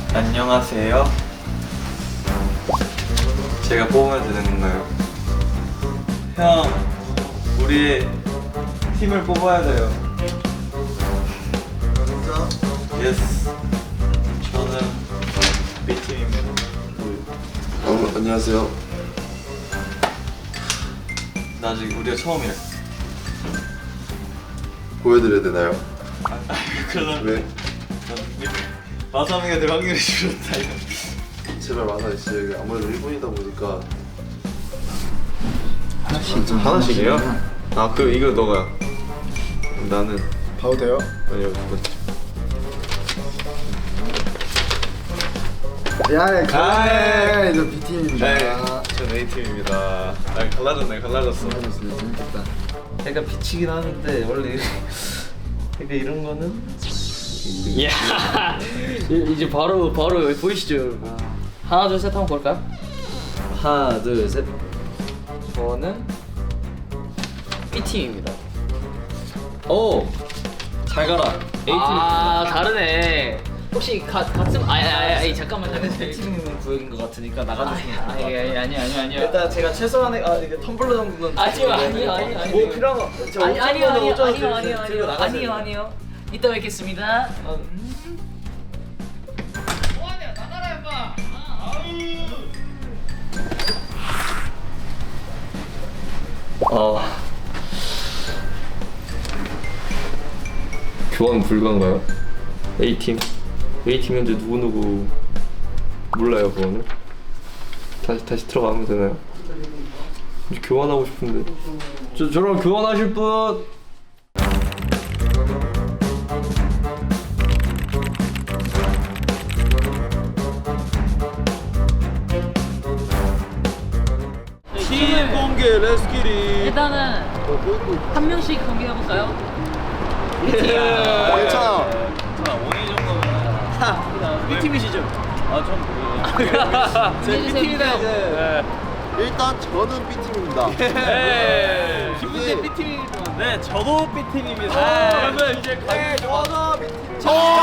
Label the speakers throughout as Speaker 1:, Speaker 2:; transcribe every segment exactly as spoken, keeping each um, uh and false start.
Speaker 1: 안녕하세요. 제가 뽑으면 되는 건가요? 형, 우리 팀을 뽑아야 돼요. 진짜? 예스. 저는 B팀입니다.
Speaker 2: 어, 안녕하세요.
Speaker 1: 나 아직 우리가 처음이래.
Speaker 2: 보여드려야 되나요?
Speaker 1: 아, 아 그럼
Speaker 2: 왜?
Speaker 1: 마사미가 될 확률이 줄었다 이거.
Speaker 2: 제발 마사 씨, 여기 아무래도 일본이다 보니까
Speaker 1: 하나씩 하나씩이요? 아, 그 이거 너가. 나는
Speaker 2: 봐도 돼요?
Speaker 1: 아니요. 그렇지.
Speaker 2: 야,
Speaker 1: 아,
Speaker 2: 저 B팀입니다.
Speaker 1: 네, 전 A팀입니다. 아, 갈라졌네, 갈라졌어.
Speaker 2: 재밌겠다.
Speaker 1: 약간 비치긴 하는데 원래 약간 이런 거는
Speaker 3: 이야 이제 바로 바로 보이시죠 여러분. 하나 둘 셋 한번 볼까요? 하나 둘 셋. 저는 B팀입니다.
Speaker 1: 오! 잘 가라. A팀.
Speaker 3: 아 다르네. 혹시 가, 같은 아니 아니 아니 잠깐만 잠깐만.
Speaker 1: B팀 구역인 것 같으니까
Speaker 3: 아니
Speaker 1: 나가주시면
Speaker 3: 아니 아니 아니 아니 아니
Speaker 1: 일단 제가 최소한의 아 이게 텀블러 정도는
Speaker 3: 아니요 아니요 아니요 아니요.
Speaker 1: 뭐 필요한 거 저
Speaker 3: 아니 아니요
Speaker 1: 오천
Speaker 3: 아니요
Speaker 1: 오천
Speaker 3: 아니요
Speaker 1: 들고
Speaker 3: 아니요 아니요
Speaker 1: 나가셔야
Speaker 3: 아니요
Speaker 1: 돼요.
Speaker 3: 아니요. 이따 뵙겠습니다.
Speaker 4: 아 교환 불가인가요? A팀 A팀 현재 누구누구 몰라요. 그거는 다시 다시 들어가면 되나요? 이제 교환하고 싶은데 저, 저랑 교환하실 분?
Speaker 1: 팀 공개 레스키리.
Speaker 3: 일단은 한 명씩 공개해 볼까요?
Speaker 2: 괜찮아.
Speaker 1: 오일 정도면
Speaker 3: B팀이시죠?
Speaker 1: 아좀 제 B팀이다 이제.
Speaker 2: 일단 저는 B팀입니다.
Speaker 1: 네.
Speaker 2: 기분이
Speaker 1: B팀. 네, 저도 B팀입니다.
Speaker 2: 그러면 이제 네, 저는 B팀.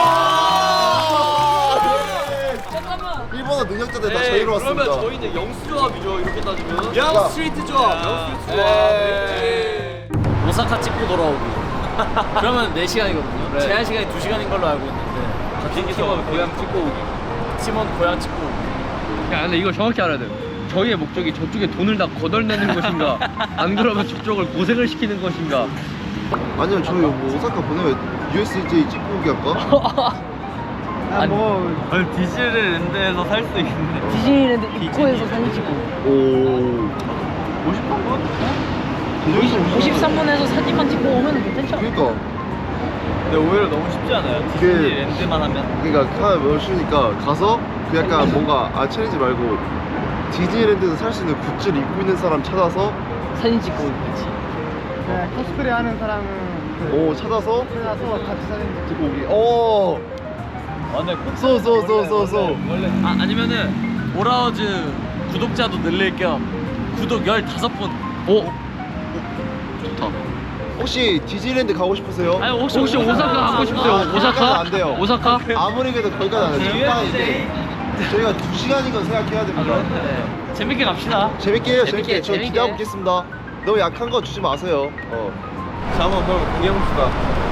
Speaker 3: 잠깐만.
Speaker 2: 일본어 능력자들 다 저희로 왔습니다.
Speaker 4: 그러면 저희 이제 영수조합이죠. 이렇게 따지면
Speaker 1: 영 스트리트 조합. 영 스트리트 조합.
Speaker 3: 오사카 찍고 돌아오기. 그러면 네 시간이거든요.
Speaker 1: 네.
Speaker 3: 제한 시간이 두 시간인 걸로 알고 있는데
Speaker 1: 비행기에서 고향 찍고 오기.
Speaker 3: 팀원 고향 찍고 오기.
Speaker 4: 야 근데 이거 정확히 알아야 돼요. 저희의 목적이 저쪽에 돈을 다 걷어내는 것인가 안 그러면 저쪽을 고생을 시키는 것인가.
Speaker 2: 아니요, 저희 뭐 오사카 보내면 유에스제이 찍고 오기 할까?
Speaker 3: 아니,
Speaker 1: 아니 디즈니랜드에서 살 수 있는데.
Speaker 3: 디즈니랜드 입구에서 사진 찍고
Speaker 2: 오.
Speaker 1: 오십삼 분?
Speaker 3: 오십삼 분에서 사진만 찍고 오면 괜찮죠?
Speaker 2: 그러니까.
Speaker 1: 근데 오히려 너무 쉽지 않아요?
Speaker 2: 그게-
Speaker 1: 디즈니랜드만 하면.
Speaker 2: 그러니까 하나 외우시니까 가서 그 약간 뭔가 아 챌린지 말고 디즈니랜드에서 살 수 있는 굿즈를 입고 있는 사람 찾아서
Speaker 3: 사진 찍고 오겠지.
Speaker 5: 네, 코스프레 하는 사람은 그
Speaker 2: 오 찾아서
Speaker 5: 찾아서 같이 사진
Speaker 2: 찍고 오기. 오.
Speaker 1: 아, 네.
Speaker 2: 쏘, 쏘, 쏘, 쏘, 쏘.
Speaker 1: 원래
Speaker 3: 아 아니면은 보라우즈 구독자도 늘릴 겸 구독 열다섯 분. 오. 좋다.
Speaker 2: 혹시 디즈니랜드 가고 싶으세요?
Speaker 3: 아니 혹시,
Speaker 4: 혹시 오사카 가고 싶으세요?
Speaker 2: 아,
Speaker 4: 오사카?
Speaker 2: 거기까지는 안 돼요.
Speaker 4: 오사카?
Speaker 2: 아무리 그래도 거기까지 안 돼요. 잠깐인데 저희가 두 시간이건 생각해야 됩니다.
Speaker 3: 네. 재밌게 갑시다.
Speaker 2: 재밌게 해요,
Speaker 3: 재밌게,
Speaker 2: 재밌게. 저
Speaker 3: 재밌게.
Speaker 2: 기대하고 있겠습니다. 너무 약한 거 주지 마세요. 어.
Speaker 1: 자, 한번 그럼 공개해봅시다.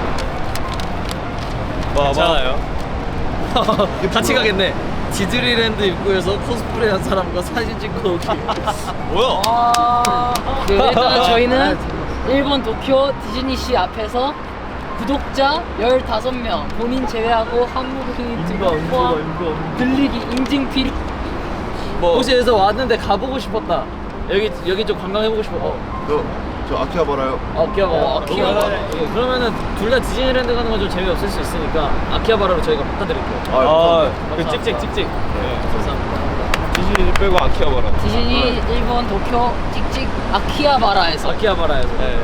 Speaker 1: 뭐,
Speaker 3: 괜찮아요. 같이 가겠네. 디즈니랜드 입구에서 코스프레한 사람과 사진 찍고 오기.
Speaker 1: 뭐야?
Speaker 3: 그 일단 저희는 일본 도쿄 디즈니시 앞에서 구독자 열다섯 명 본인 제외하고 한국인 등록 포함 들리기 인증 필요.
Speaker 1: 뭐.
Speaker 3: 혹시 여기서 왔는데 가보고 싶었다. 여기 여기 좀 관광해보고 싶어.
Speaker 2: 너저 아키아 봐라요.
Speaker 3: 아키하바라. 아키하바라.
Speaker 1: 너무
Speaker 3: 예, 그러면은 둘 다 디즈니랜드 가는 건 좀 재미없을 수 있으니까 아키하바라로 저희가 바꿔드릴게요.
Speaker 1: 아, 그
Speaker 3: 감사합니다.
Speaker 1: 찍찍 찍찍. 네.
Speaker 3: 감사합니다.
Speaker 1: 디즈니 빼고 아키하바라.
Speaker 3: 디즈니 일본 도쿄 찍찍 아키하바라에서. 아키하바라에서.
Speaker 1: 네.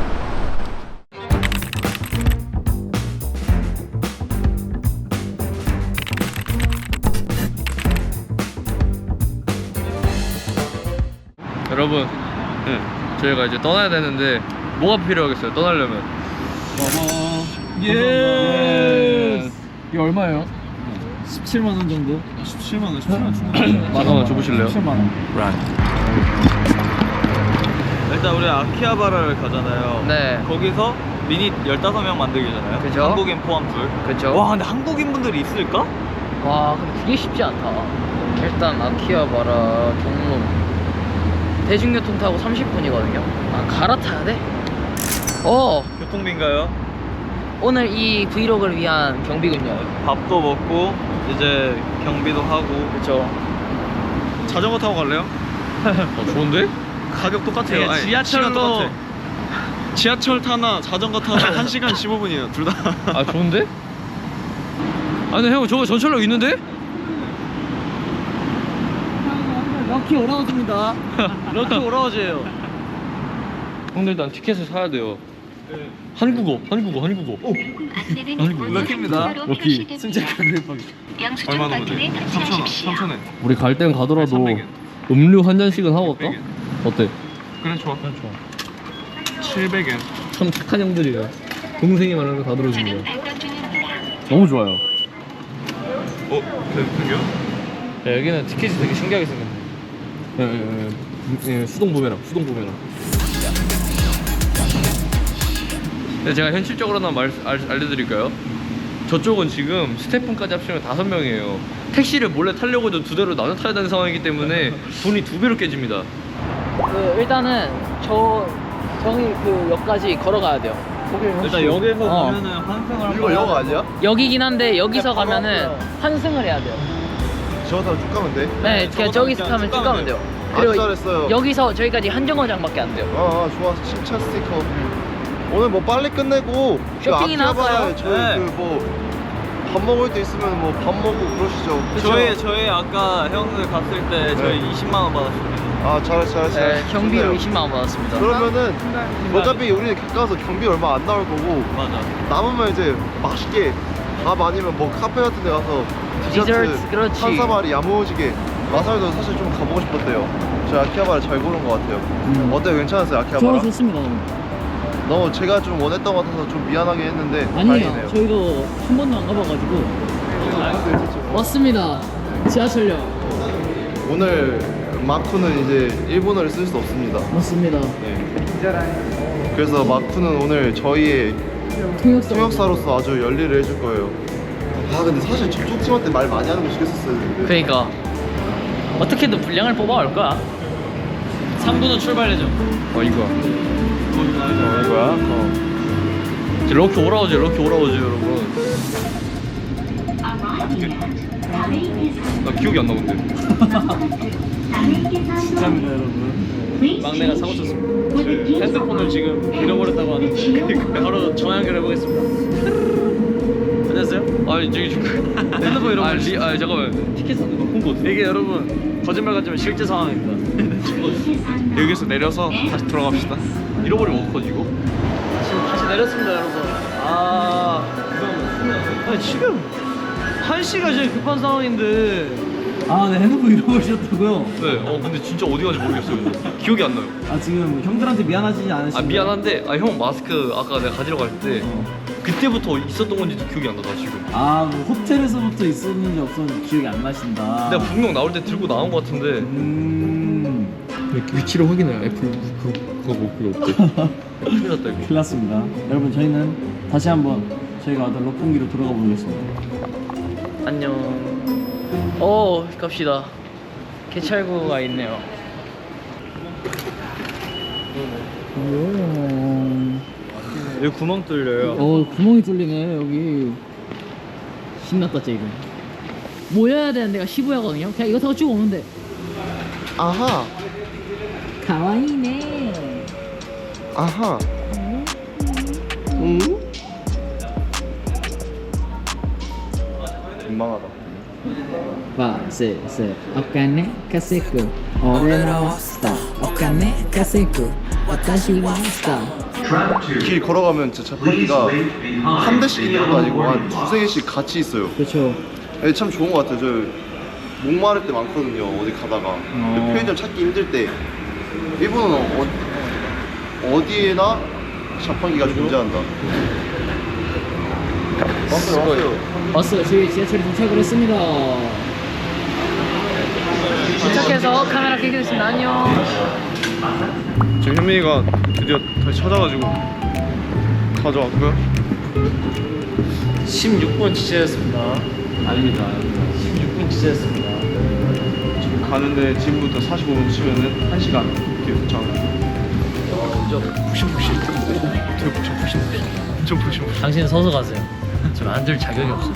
Speaker 4: 여러분 저희가 이제 떠나야 되는데 뭐가 필요하겠어요? 떠나려면
Speaker 3: 예.
Speaker 4: 이게 얼마예요?
Speaker 3: 십칠만 원 정도?
Speaker 1: 십칠만 원, 십칠만 원 충분히.
Speaker 4: 잠깐만 줘보실래요?
Speaker 3: 십칠만 원.
Speaker 1: 일단 우리 아키하바라를 가잖아요.
Speaker 3: 네.
Speaker 1: 거기서 미닛 열다섯 명 만들기잖아요.
Speaker 3: 그죠?
Speaker 1: 한국인 포함 둘.
Speaker 3: 그쵸.
Speaker 1: 와, 근데 한국인 분들이 있을까?
Speaker 3: 와, 근데 그게 쉽지 않다. 일단 아키하바라 경로 대중교통 타고 삼십 분이거든요. 아, 갈아타야 돼? 어,
Speaker 1: 교통비인가요?
Speaker 3: 오늘 이 브이로그를 위한 경비군요.
Speaker 1: 밥도 먹고 이제 경비도 하고.
Speaker 3: 그쵸.
Speaker 1: 자전거 타고 갈래요?
Speaker 4: 어, 좋은데?
Speaker 1: 가격 똑같아요.
Speaker 3: 네,
Speaker 1: 아니,
Speaker 3: 지하철로-
Speaker 1: 시간 똑같아. 지하철 타나 자전거 타나 한 시간 십오 분이에요. 둘 다.
Speaker 4: 아 좋은데? 아니 형 저거 전철역 있는데?
Speaker 3: 럭키 오라워즈입니다. 럭키 오라워즈예요.
Speaker 4: 형들 일단 티켓을 사야 돼요. 한국어, 한국어, 한국어.
Speaker 1: 럭키입니다.
Speaker 4: 럭키.
Speaker 1: 얼마나 오지? 삼천 원. 삼천 원.
Speaker 4: 우리 갈 땐 가더라도
Speaker 1: 삼백 엔.
Speaker 4: 음료 한 잔씩은 하고 갈까?
Speaker 1: 삼백 엔.
Speaker 4: 어때?
Speaker 1: 그래 좋아. 그래 좋아. 칠백 엔.
Speaker 4: 참 착한 형들이에요. 동생이 말하는 거 다 들어주는 거야. 너무 좋아요.
Speaker 1: 어? 되게요?
Speaker 4: 야, 여기는 티켓이 되게 신기하게 생겼네. 예, 예, 예. 예, 수동 부메랑, 수동 부메랑. 근데 제가 현실적으로 하나 말, 알, 알려드릴까요? 저쪽은 지금 스태프분까지 합치면 다섯 명이에요. 택시를 몰래 타려고 해도 두 대로 나눠 타야 되는 상황이기 때문에 돈이 두 배로 깨집니다.
Speaker 3: 그 일단은 저 저기 그 역까지 걸어가야 돼요.
Speaker 1: 일단 역에서
Speaker 3: 어.
Speaker 1: 가면은 환승을
Speaker 2: 이거 영 아니야?
Speaker 3: 여기긴 한데 여기서 가면은 환승을 해야 돼요.
Speaker 2: 저거 타고 쭉 가면 돼?
Speaker 3: 네, 그냥 저기서
Speaker 1: 그냥
Speaker 3: 타면
Speaker 1: 쭉
Speaker 3: 쭉 가면 돼요.
Speaker 2: 아주 잘했어요.
Speaker 3: 여기서 저기까지 한 정거장밖에 안 돼요.
Speaker 2: 아, 아 좋아. 칭찬 스티커. 오늘 뭐 빨리 끝내고
Speaker 3: 쇼핑이나 할까요?
Speaker 2: 저희
Speaker 1: 네.
Speaker 2: 그 뭐 밥 먹을 때 있으면 뭐 밥 먹고 그러시죠.
Speaker 1: 저희 저희 아까 형들 갔을 때 저희
Speaker 2: 네.
Speaker 1: 이십만 원 받았습니다.
Speaker 2: 아 잘했어 잘했어.
Speaker 3: 네,
Speaker 2: 잘했어.
Speaker 3: 경비로
Speaker 2: 좋네요.
Speaker 3: 이십만 원 받았습니다.
Speaker 2: 그러면은 어차피 우리는 가까워서 경비 얼마 안 나올 거고
Speaker 1: 맞아.
Speaker 2: 남으면 이제 맛있게 밥 아니면 뭐 카페 같은 데 가서 디저트,
Speaker 3: 디저트, 그렇지.
Speaker 2: 한사마리 야무지게 마사오도 사실 좀 가보고 싶었대요. 저희 아키하바라 잘 고른 것 같아요.
Speaker 3: 음.
Speaker 2: 어때요? 괜찮았어요
Speaker 3: 저
Speaker 2: 아키하바라?
Speaker 3: 좋습니다.
Speaker 2: 너무 제가 좀 원했던 것 같아서 좀 미안하게 했는데
Speaker 3: 아니에요.
Speaker 2: 다행이네요.
Speaker 3: 저희도 한 번도 안 가봐가지고 왔습니다. 지하철역
Speaker 2: 오늘 마쿠는 이제 일본어를 쓸 수 없습니다.
Speaker 3: 맞습니다.
Speaker 2: 네. 그래서 마쿠는 오늘 저희의
Speaker 3: 통역사
Speaker 2: 통역사로서 아주 열일을 해줄 거예요. 아 근데 사실 저쪽 팀한테 말 많이 하는 거 시켰었어야 되는데.
Speaker 3: 그러니까 어떻게든 분량을 뽑아올 거야. 삼 부는 출발 예정.
Speaker 4: 어, 이거야.
Speaker 2: 어, 이거야? 어.
Speaker 4: 이제 럭키 오라오지, 럭키 오라오지, 여러분. 나 기억이 안 나는데.
Speaker 3: 감사합니다 여러분. 막내가 사고 쳤습니다. 핸드폰을 지금 잃어버렸다고 하는데 바로 전화 연결해 보겠습니다. 안녕하세요.
Speaker 4: 아니, 저기 좀.
Speaker 3: 핸드폰 잃어버렸어요.
Speaker 4: 아, 리, 아, 잠깐만. 티켓 사는 거 홍보 어떻게?
Speaker 3: 이게 여러분 거짓말 같지만 실제 상황입니다.
Speaker 1: 여기서 내려서 다시 돌아갑시다.
Speaker 4: 잃어버리면 어떡하지, 이거?
Speaker 3: 지금 다시 내렸습니다 여러분. 아, 아니, 지금 한 시가 제일 급한 상황인데. 아, 네, 핸드폰 잃어버리셨다고요?
Speaker 4: 네, 어, 근데 진짜 어디 간지 모르겠어요. 기억이 안 나요.
Speaker 3: 아, 지금 형들한테 미안하지 않으신가요?
Speaker 4: 아, 미안한데, 아, 형 마스크 아까 내가 가지러 갈 때, 그때부터 있었던 건지도 기억이 안 나, 나 지금.
Speaker 6: 아, 뭐 호텔에서부터 있었는지 없었는지 기억이 안 나신다.
Speaker 4: 내가 분명 나올 때 들고 나온 것 같은데.
Speaker 6: 음,
Speaker 4: 위치를 확인해요. 애플 그거 그거 뭐 그거 없대. 큰일 났다 이거.
Speaker 6: 큰일 났습니다. 여러분, 저희는 다시 한번 저희가 왔던 럭봉기로 돌아가 보겠습니다.
Speaker 3: 안녕. 오, 갑시다. 개찰구가 있네요.
Speaker 1: 여기 구멍 뚫려요.
Speaker 3: 어, 구멍이 뚫리네 여기. 신났다 쟤 이거. 모여야 되는 데가 시부야거든요. 그냥 이거 타고 쭉 오면 돼.
Speaker 2: 아하
Speaker 3: 가와이네.
Speaker 2: 아하 응? 민망하다.
Speaker 3: 와, 세, 세. 오카네 카세쿠. 오레노 스타. 오카네 카세쿠. 와타시 와 스타.
Speaker 2: 길 걸어가면 진짜 자판기가 한 대씩 있는 것도 아니고 한 두세 개씩 같이 있어요.
Speaker 3: 그렇죠.
Speaker 2: 네, 참 좋은 것 같아요. 저 목마를 때 많거든요. 어디 가다가 그 편의점 찾기 힘들 때 일본은 어, 어디에나 자판기가 존재한다. 왔어요 왔어요.
Speaker 3: 왔어요. 저희 지하철에 도착을 했습니다. 도착해서 카메라 켜게 됐습니다. 안녕.
Speaker 1: 지금 현민이가 드디어 다시 찾아가지고 가져왔고요.
Speaker 6: 십육 분 지체했습니다. 아닙니다. 십육 분 지체했습니다.
Speaker 1: 지금 가는데 지금부터 사십오 분 치면은 한 시간 뒤에 도착을. 푹신푹신. 되게 푹신푹신. 좀 푹신푹신.
Speaker 3: 당신 서서 가세요. 지금 앉을 자격이 없어요.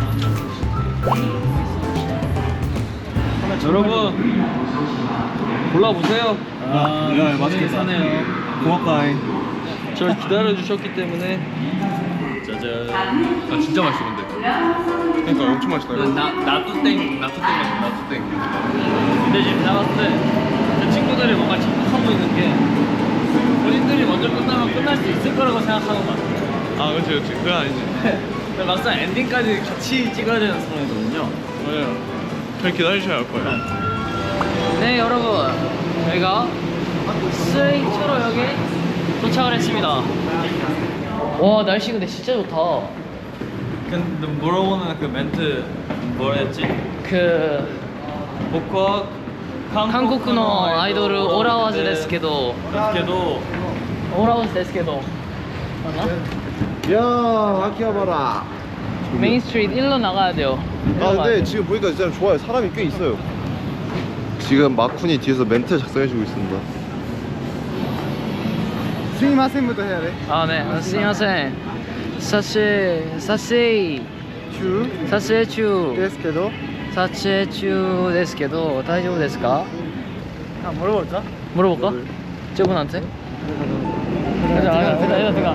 Speaker 4: 여러분 골라보세요.
Speaker 6: 아, 야, 맛있게 사네요. 고맙다잉.
Speaker 4: 저를 기다려 주셨기 때문에. 짜잔. 아 진짜 맛있어 근데.
Speaker 1: 그러니까 엄청 맛있다. 이거.
Speaker 4: 나 나뚜땡 나뚜땡 맛있어 나뚜땡. 근데 지금 내가 봤을 때 제 친구들이 뭔가 착각하고 있는 게 본인들이 먼저 끝나면 끝날 수 있을 거라고 생각하는 것 같아.
Speaker 1: 아 그렇지 그렇지. 그건 아니지.
Speaker 4: 근데 막상 엔딩까지 같이 찍어야 되는 상황이거든요.
Speaker 1: 맞아요. 잘 기다리셔야 할 거예요.
Speaker 3: 네 여러분, 저희가 스웨이초로역에 도착을 했습니다. 와 날씨 근데 진짜 좋다.
Speaker 4: 근데 물어보는 그 멘트 뭐라 했지?
Speaker 3: 그
Speaker 4: 僕は
Speaker 3: 한국의 아이돌 오라와즈 데스けど
Speaker 4: 데스케도
Speaker 3: 오라와즈 데스けど 맞나?
Speaker 2: 야 아키하바라.
Speaker 3: 메인 스트리트 일로 나가야 돼요. 일로
Speaker 2: 아
Speaker 3: 가야
Speaker 2: 근데
Speaker 3: 돼요.
Speaker 2: 지금 보니까 진짜 좋아요. 사람이 꽤 있어요. 지금 마쿤이 뒤에서 멘트 작성해주고 있습니다.
Speaker 5: すみません부터 해야 돼.
Speaker 3: 아 네, すみません. 사실 사실
Speaker 5: 中
Speaker 3: 사실 중
Speaker 5: ですけど
Speaker 3: 撮影中ですけど大丈夫ですか?
Speaker 5: 아 물어볼까?
Speaker 3: 물어볼까? 저분한테? 가자 가자 가자 가자 가자.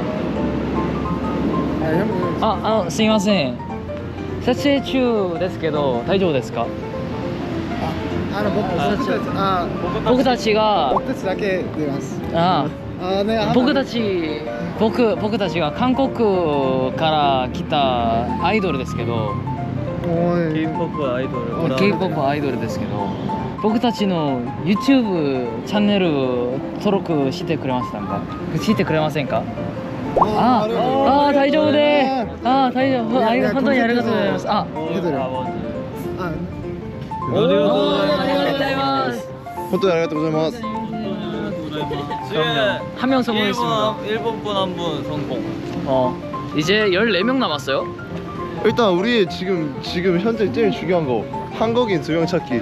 Speaker 5: 아 형.
Speaker 3: 아, 아, すみません. 撮影中ですけど大丈夫ですか?
Speaker 5: 아僕僕たちあ
Speaker 3: 僕たちが
Speaker 5: 僕たちだけ出ます.
Speaker 3: 아,
Speaker 5: 아 네.
Speaker 3: 僕たち僕僕たちが韓国から来たアイドルですけど
Speaker 5: 오이.
Speaker 4: K-팝 아이돌
Speaker 3: K-팝アイドルですけど僕たちの YouTube チャンネル登録してくれましたかしてくれませんかああ大丈夫であ大丈夫ありが本当にありがとうございますあ
Speaker 5: 해드려. 아
Speaker 3: ありがとうございます
Speaker 2: 혼또 아리가또 고자이마스.
Speaker 4: 지금
Speaker 3: 한 명 성공했습니다.
Speaker 4: 일본 분 한 분 성공.
Speaker 3: 어 이제 열네 명 남았어요.
Speaker 2: 일단 우리 지금 지금 현재 제일 중요한 거 한국인 두 명 찾기.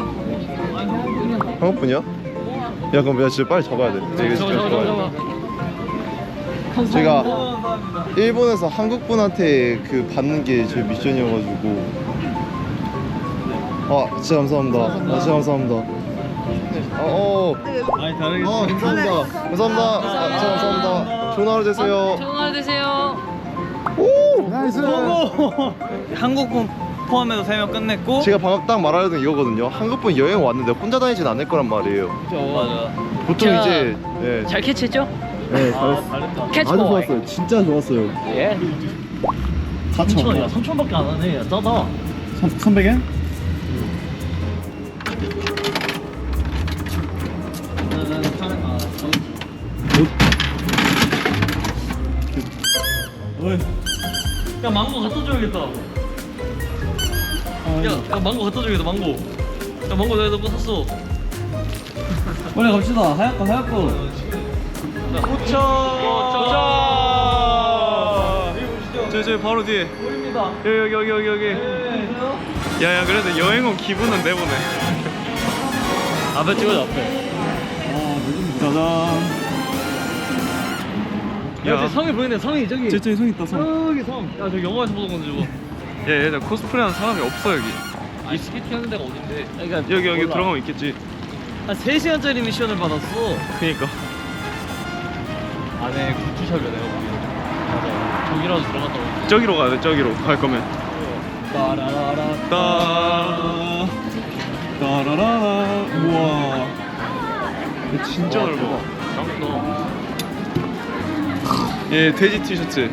Speaker 2: 한국분이야? 야 그럼 야 진짜 빨리 잡아야 돼. 이거 진짜 잡아야 돼. 제가 일본에서 한국분한테 그 받는 게 제 미션이어가지고. 아 진짜 감사합니다. 아 진짜 감사합니다. 어, 어.
Speaker 4: 아니 다르게.
Speaker 2: 어 감사합니다. 감사합니다. 아, 진짜 감사합니다. 좋은 하루 되세요.
Speaker 3: 좋은 하루 되세요.
Speaker 2: 오!
Speaker 5: 나이스.
Speaker 4: 한국 분 포함해서 세 명 끝냈고.
Speaker 2: 제가 방금 딱 말하려던 이거거든요. 한국분 여행 왔는데 혼자 다니진 않을 거란 말이에요.
Speaker 4: 맞아.
Speaker 2: 보통
Speaker 3: 자,
Speaker 2: 이제 예.
Speaker 3: 잘 캐치했죠?
Speaker 2: 네,
Speaker 4: 아 잘했다.
Speaker 3: 캐치보이.
Speaker 2: 진짜 좋았어요.
Speaker 3: 예.
Speaker 6: 사천 원이야.
Speaker 4: 삼천 원밖에 안 하네. 싸다.
Speaker 6: 삼백 엔?
Speaker 4: 야 망고 갖다 줘야겠다. 야, 야 망고 갖다 줘야겠다. 망고. 야 망고 내가 너거 샀어.
Speaker 6: 빨리 갑시다. 하얗고 하얗고.
Speaker 4: 도착. 도착.
Speaker 1: 저, 저 바로 뒤에.
Speaker 4: 우리입니다.
Speaker 1: 여기 여기 여기 여기 여기. 야야 그래도 여행 온 기분은 내보네.
Speaker 4: 앞에 찍어줘 앞에.
Speaker 6: 짜잔.
Speaker 4: 야, 저 성이 보이네. 성이 저기.
Speaker 6: 저기 성 있다 성.
Speaker 4: 저기 성. 야, 저 영화에서 보던 건데 저거.
Speaker 1: 야 얘들 코스프레하는 사람이 없어 여기.
Speaker 4: 아, 스케이팅 하는 데가 어딘데? 그러니까
Speaker 1: 여기 여기
Speaker 4: 몰라.
Speaker 1: 들어가면 있겠지.
Speaker 4: 한 세 시간짜리 미션을 받았어.
Speaker 1: 그니까.
Speaker 4: 안에 굿즈샵이야 내가 보기엔. 맞아. 저기라도 들어갔다 오지.
Speaker 1: 저기로 가야 돼 저기로 갈 거면.
Speaker 4: 따라라라.
Speaker 1: 따.
Speaker 6: 따라라. 우와.
Speaker 1: 진짜 넓어.
Speaker 4: 짱크다.
Speaker 1: 얘 돼지 티셔츠.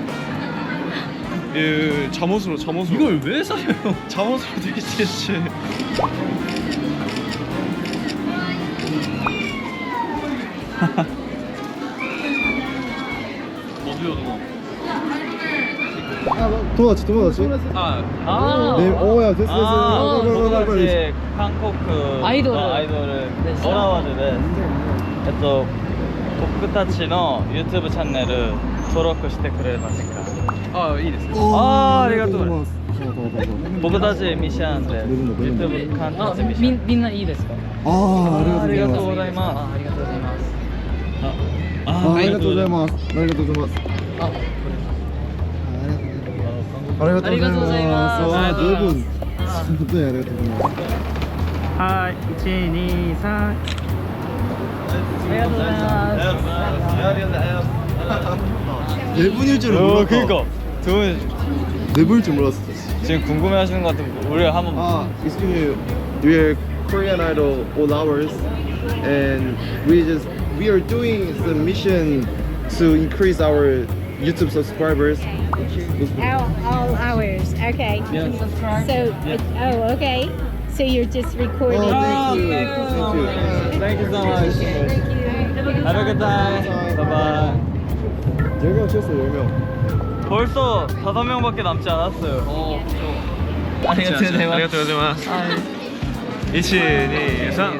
Speaker 1: 얘 잠옷으로 잠옷으로.
Speaker 4: 이걸 왜 사요?
Speaker 1: 잠옷으로 돼지 티셔츠.
Speaker 4: 어디요 그거?
Speaker 2: 도모다치 도모다치.
Speaker 3: 아,
Speaker 2: 네, 오야 됐어 됐어.
Speaker 3: 아,
Speaker 2: 빨리, 빨리, 빨리, 빨리.
Speaker 5: で韓国
Speaker 3: 아이돌.
Speaker 5: のアイドル
Speaker 3: です
Speaker 5: オラワルですえっと僕たちの YouTube チャンネル登録してくれますか
Speaker 1: あいいですよ
Speaker 5: あーありがとうございます
Speaker 2: どうぞどうぞ
Speaker 5: 僕たちミッションで YouTube 監
Speaker 3: あ、
Speaker 5: 督ミッション
Speaker 3: みみんないいですか？
Speaker 2: あ
Speaker 5: ありがとうご
Speaker 2: う
Speaker 5: ざいます
Speaker 3: あ、ありがとうございます。
Speaker 2: あありがとうございます。ありがとうございます。
Speaker 3: あ、
Speaker 2: ありがとうございます。
Speaker 3: ありがとうございます
Speaker 2: わあ、十分。
Speaker 3: あ
Speaker 2: 本当にありがとうございます。
Speaker 5: はいいちにさん
Speaker 3: ありがとうございます。
Speaker 2: 네 분일 줄은
Speaker 5: 어
Speaker 2: 몰랐다.
Speaker 5: 그니까 두 분
Speaker 2: 네 분일 줄 몰랐어.
Speaker 5: 지금 궁금해하시는 것 같은데 우리 한번
Speaker 2: 아, excuse me. We're Korean Idol all hours, and we just we are doing the mission to increase our YouTube subscribers.
Speaker 7: All, all hours. Okay. So, it, oh, okay. So you're just recording.
Speaker 2: Oh, thank you.
Speaker 5: thank you so
Speaker 2: Thank
Speaker 5: much. Thank you so much.
Speaker 7: Thank you.
Speaker 5: Have a good time. Bye bye.
Speaker 2: 열 명 쳤어, 열 명.
Speaker 5: 벌써 다섯 명밖에 남지 않았어요.
Speaker 3: 어,
Speaker 5: 아리가토 고자이마스.
Speaker 1: 아리가토 고자이마스 이치 니상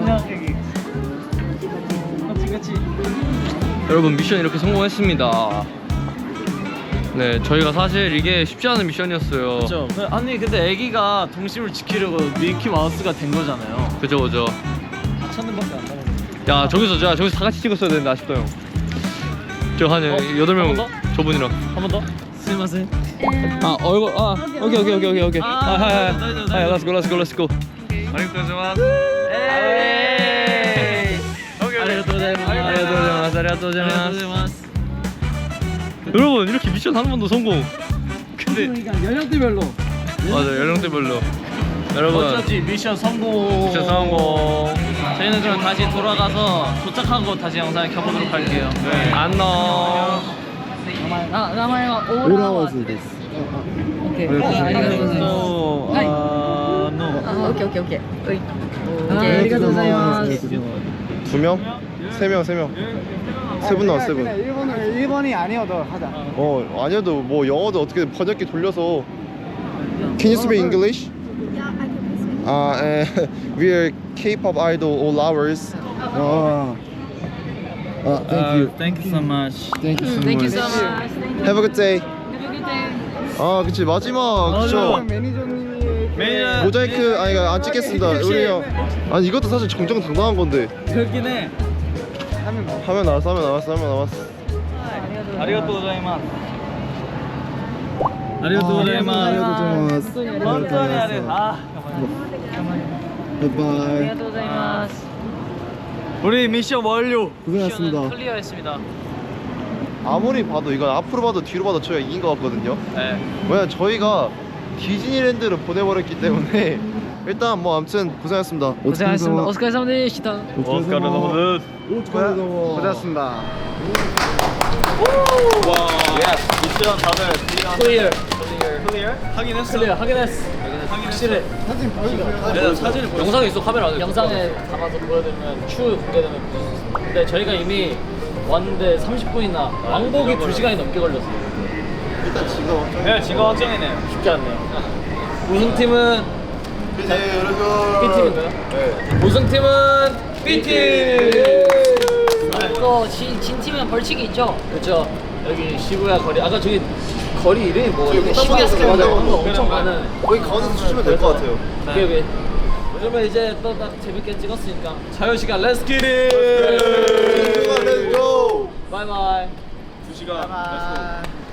Speaker 4: 여러분 미션 이렇게 성공했습니다. 네, 저희가 사실 이게 쉽지 않은 미션이었어요.
Speaker 5: 그렇죠. 아니 근데 애기가 동심을 지키려고 미키 마우스가 된 거잖아요.
Speaker 4: 그죠 그죠.
Speaker 5: 천원밖에 안 남았어요.
Speaker 4: 야 저기서 자 저기서 다 같이 찍었어야 되는데 아쉽다 형. 저한 여덟 명
Speaker 5: 한 번
Speaker 4: 저분이랑.
Speaker 5: 한 번 더. 스미마셍.
Speaker 4: 아 얼굴 아 오케이 오케이 오케이 오케이 오케이.
Speaker 5: 아,
Speaker 4: 아 하이 하이.
Speaker 5: 네, 네, 네,
Speaker 4: 하이
Speaker 5: 네.
Speaker 4: let's go let's go let's go.
Speaker 1: 아리가토 고자이마스
Speaker 5: 에이.
Speaker 4: 아리가토 고자이마스. 아리가토
Speaker 5: 아리가토
Speaker 4: 고자이마스.
Speaker 5: 고자이마스.
Speaker 4: 여러분 이렇게 미션 한 번도 성공. 근데
Speaker 6: 그러니까 연령대별로
Speaker 4: 맞아 연령대별로. 여러분
Speaker 5: 어쩌지 미션 성공.
Speaker 4: 미션 성공.
Speaker 5: 저희는 그럼 다시 돌아가서 도착하고 다시 영상을 켜보도록 할게요.
Speaker 4: 네. 안녕.
Speaker 3: あ、名前はオー
Speaker 2: オーラ
Speaker 3: ラワーズ
Speaker 2: ワーズです。
Speaker 3: オッケー。ありがとうございます。はい。
Speaker 5: あの
Speaker 3: あ、オッケーオッケーオッケー。はい。オッケー、ありがとうございます。
Speaker 2: 두 명? 세 명, 세 명. 세 분 나왔어, 세 분.
Speaker 5: 일본을 일본이 아니어도 하자.
Speaker 2: 어, 아니어도 뭐 영어도 어떻게 번역기 돌려서. Can you speak English?
Speaker 7: Yeah, I can listen.
Speaker 2: Uh, uh, we are K-pop idol all hours. Oh. Uh, thank you.
Speaker 5: Thank you so much.
Speaker 2: Thank you so
Speaker 3: Thank you
Speaker 2: much.
Speaker 3: so much.
Speaker 2: Have a good day.
Speaker 3: Have a good day.
Speaker 2: 아, 그치 마지막 그쵸.
Speaker 5: 매니저님이 매니저
Speaker 2: 모자이크 아니 안 찍겠습니다. 우리 형. 아니 이것도 사실 정정당당한 건데.
Speaker 5: 그렇긴 해.
Speaker 2: 화면 나왔어, 화면 나왔어, 화면 나왔어.
Speaker 5: 아리가토 고자이마스. 아리가토
Speaker 2: 아,
Speaker 5: 고자이마스.本当にあれあ
Speaker 2: 바이바이.
Speaker 3: ありがとうございます。
Speaker 5: 우리 미션 완료.
Speaker 2: 고생하셨습니다.
Speaker 3: 클리어했습니다.
Speaker 2: 아무리 봐도 이건 앞으로 봐도 뒤로 봐도 저희가 이긴 것 같거든요.
Speaker 5: 네.
Speaker 2: 왜냐면 저희가 디즈니랜드를 보내버렸기 때문에 일단 뭐 아무튼 고생하셨습니다.
Speaker 3: お疲れ様お疲れ様でした。
Speaker 5: 오스카르노드.
Speaker 2: 고생하셨습니다.
Speaker 5: 고생하셨습니다. 와. 미션 다들
Speaker 3: 클리어.
Speaker 5: 클리어? 확인했어.
Speaker 3: 클리어 확인했어.
Speaker 5: 확실해. 내가 사진을 보여.
Speaker 3: 영상에 있어 카메라 안에. 영상에 담아서 보여드리면 추후 공개되면 보실 수 있어요. 근데 저희가 이미 왔는데 삼십 분이나 왕복이 두 시간이 넘게 걸렸어요.
Speaker 2: 일단 지금 엄청
Speaker 5: 네, 지금 확정이네요.
Speaker 3: 쉽지 않네요. 우승팀은
Speaker 2: 네, 여러분.
Speaker 3: B팀인가요?
Speaker 2: 네.
Speaker 3: 우승팀은 B팀! 또 진, 진 팀은 벌칙이 있죠? 그렇죠. 여기 시부야 거리. 아까 저기 거리 이름이 뭐?
Speaker 2: 저기
Speaker 3: 시부야 스퀘어 맞아요.
Speaker 2: 뭐
Speaker 3: 한거 엄청 많은.
Speaker 2: 거기 가운데서 주시면 될 것 같아요.
Speaker 3: 그게 왜? 요즘에 이제 또 딱 재밌게 찍었으니까.
Speaker 5: 자유시간 렛츠 기릿!
Speaker 2: Let's go.
Speaker 3: 바이바이.
Speaker 5: 두 시간.